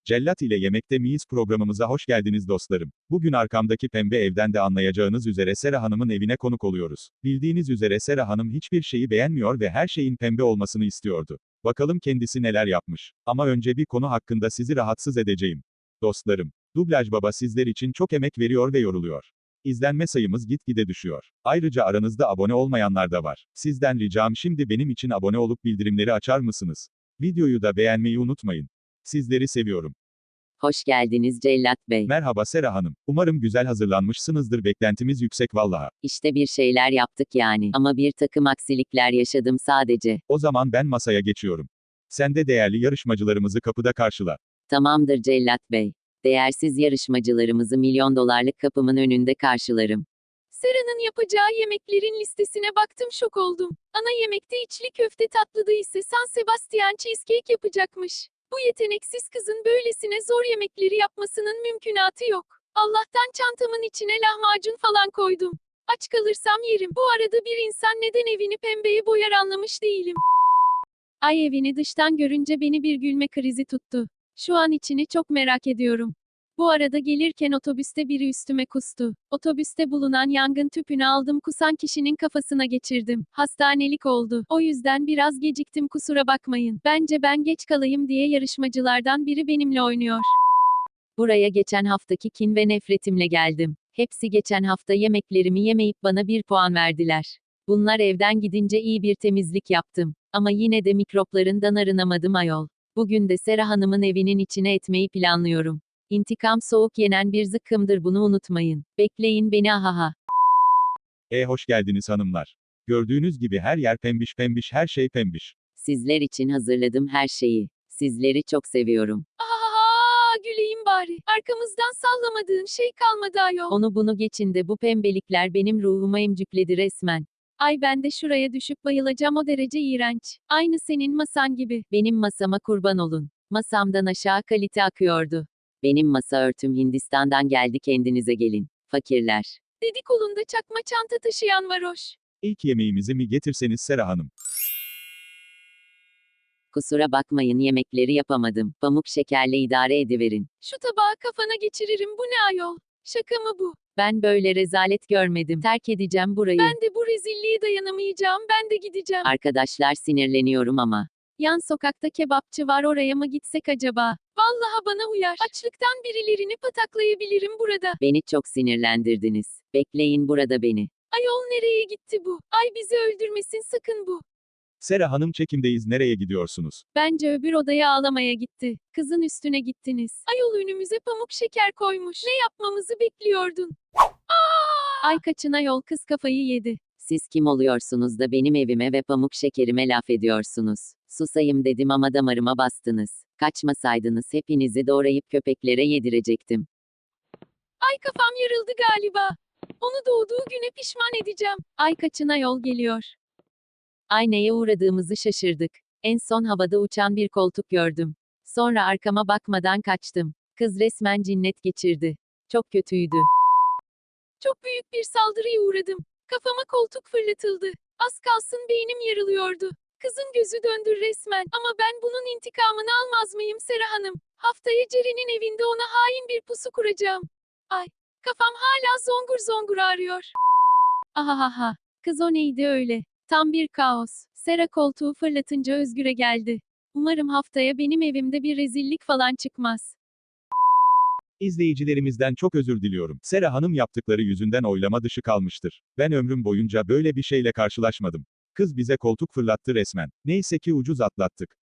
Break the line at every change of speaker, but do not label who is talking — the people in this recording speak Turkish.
Cellat ile Yemekte Miyiz programımıza hoş geldiniz dostlarım. Bugün arkamdaki pembe evden de anlayacağınız üzere Sera Hanım'ın evine konuk oluyoruz. Bildiğiniz üzere Sera Hanım hiçbir şeyi beğenmiyor ve her şeyin pembe olmasını istiyordu. Bakalım kendisi neler yapmış. Ama önce bir konu hakkında sizi rahatsız edeceğim. Dostlarım, Dublaj Baba sizler için çok emek veriyor ve yoruluyor. İzlenme sayımız gitgide düşüyor. Ayrıca aranızda abone olmayanlar da var. Sizden ricam şimdi benim için abone olup bildirimleri açar mısınız? Videoyu da beğenmeyi unutmayın. Sizleri seviyorum.
Hoş geldiniz Cellat Bey.
Merhaba Sera Hanım. Umarım güzel hazırlanmışsınızdır. Beklentimiz yüksek vallaha.
İşte bir şeyler yaptık yani. Ama bir takım aksilikler yaşadım sadece.
O zaman ben masaya geçiyorum. Sen de değerli yarışmacılarımızı kapıda karşıla.
Tamamdır Cellat Bey. Değersiz yarışmacılarımızı $1.000.000 kapımın önünde karşılarım.
Sera'nın yapacağı yemeklerin listesine baktım, şok oldum. Ana yemekte içli köfte, tatlıda ise San Sebastian cheesecake yapacakmış. Bu yeteneksiz kızın böylesine zor yemekleri yapmasının mümkünatı yok. Allah'tan çantamın içine lahmacun falan koydum. Aç kalırsam yerim. Bu arada bir insan neden evini pembeye boyar anlamış değilim. Ay, evini dıştan görünce beni bir gülme krizi tuttu. Şu an içini çok merak ediyorum. Bu arada gelirken otobüste biri üstüme kustu. Otobüste bulunan yangın tüpünü aldım, kusan kişinin kafasına geçirdim. Hastanelik oldu. O yüzden biraz geciktim, kusura bakmayın. Bence ben geç kalayım diye yarışmacılardan biri benimle oynuyor.
Buraya geçen haftaki kin ve nefretimle geldim. Hepsi geçen hafta yemeklerimi yemeyip bana 1 puan verdiler. Bunlar evden gidince iyi bir temizlik yaptım. Ama yine de mikroplarından arınamadım ayol. Bugün de Sera Hanım'ın evinin içine etmeyi planlıyorum. İntikam soğuk yenen bir zıkkımdır, bunu unutmayın. Bekleyin beni, ahaha.
Hoş geldiniz hanımlar. Gördüğünüz gibi her yer pembiş pembiş, her şey pembiş.
Sizler için hazırladım her şeyi. Sizleri çok seviyorum.
Ahaha, güleyim bari. Arkamızdan sallamadığın şey kalmadı ayol.
Onu bunu geçin de bu pembelikler benim ruhuma emcükledi resmen.
Ay, ben de şuraya düşüp bayılacağım, o derece iğrenç. Aynı senin masan gibi.
Benim masama kurban olun. Masamdan aşağı kalite akıyordu. Benim masa örtüm Hindistan'dan geldi, kendinize gelin. Fakirler.
Dedi, kolunda çakma çanta taşıyan varoş.
İlk yemeğimizi mi getirseniz Sera Hanım?
Kusura bakmayın, yemekleri yapamadım. Pamuk şekerle idare ediverin.
Şu tabağı kafana geçiririm, bu ne ayol? Şaka mı bu?
Ben böyle rezalet görmedim. Terk edeceğim burayı.
Ben de bu rezilliğe dayanamayacağım, ben de gideceğim.
Arkadaşlar, sinirleniyorum ama.
Yan sokakta kebapçı var, oraya mı gitsek acaba? Vallahi bana uyar. Açlıktan birilerini pataklayabilirim burada.
Beni çok sinirlendirdiniz. Bekleyin burada beni.
Ayol, nereye gitti bu? Ay, bizi öldürmesin sakın bu.
Sera Hanım, çekimdeyiz, nereye gidiyorsunuz?
Bence öbür odaya ağlamaya gitti. Kızın üstüne gittiniz. Ayol, önümüze pamuk şeker koymuş. Ne yapmamızı bekliyordun? Ay, kaçın ayol, kız kafayı yedi.
Siz kim oluyorsunuz da benim evime ve pamuk şekerime laf ediyorsunuz? Susayım dedim ama damarıma bastınız. Kaçmasaydınız hepinizi doğrayıp köpeklere yedirecektim.
Ay, kafam yarıldı galiba. Onu doğduğu güne pişman edeceğim. Ay, kaçın ayol, geliyor.
Ay, neye uğradığımızı şaşırdık. En son havada uçan bir koltuk gördüm. Sonra arkama bakmadan kaçtım. Kız resmen cinnet geçirdi. Çok kötüydü.
Çok büyük bir saldırıya uğradım. Kafama koltuk fırlatıldı. Az kalsın beynim yarılıyordu. Kızın gözü döndü resmen. Ama ben bunun intikamını almaz mıyım Sera Hanım? Haftaya Ceren'in evinde ona hain bir pusu kuracağım. Ay, kafam hala zongur zongur ağrıyor. Ahahaha. Kız, o neydi öyle? Tam bir kaos. Sera koltuğu fırlatınca Özgür'e geldi. Umarım haftaya benim evimde bir rezillik falan çıkmaz.
İzleyicilerimizden çok özür diliyorum. Sera Hanım yaptıkları yüzünden oylama dışı kalmıştır. Ben ömrüm boyunca böyle bir şeyle karşılaşmadım. Kız bize koltuk fırlattı resmen. Neyse ki ucuz atlattık.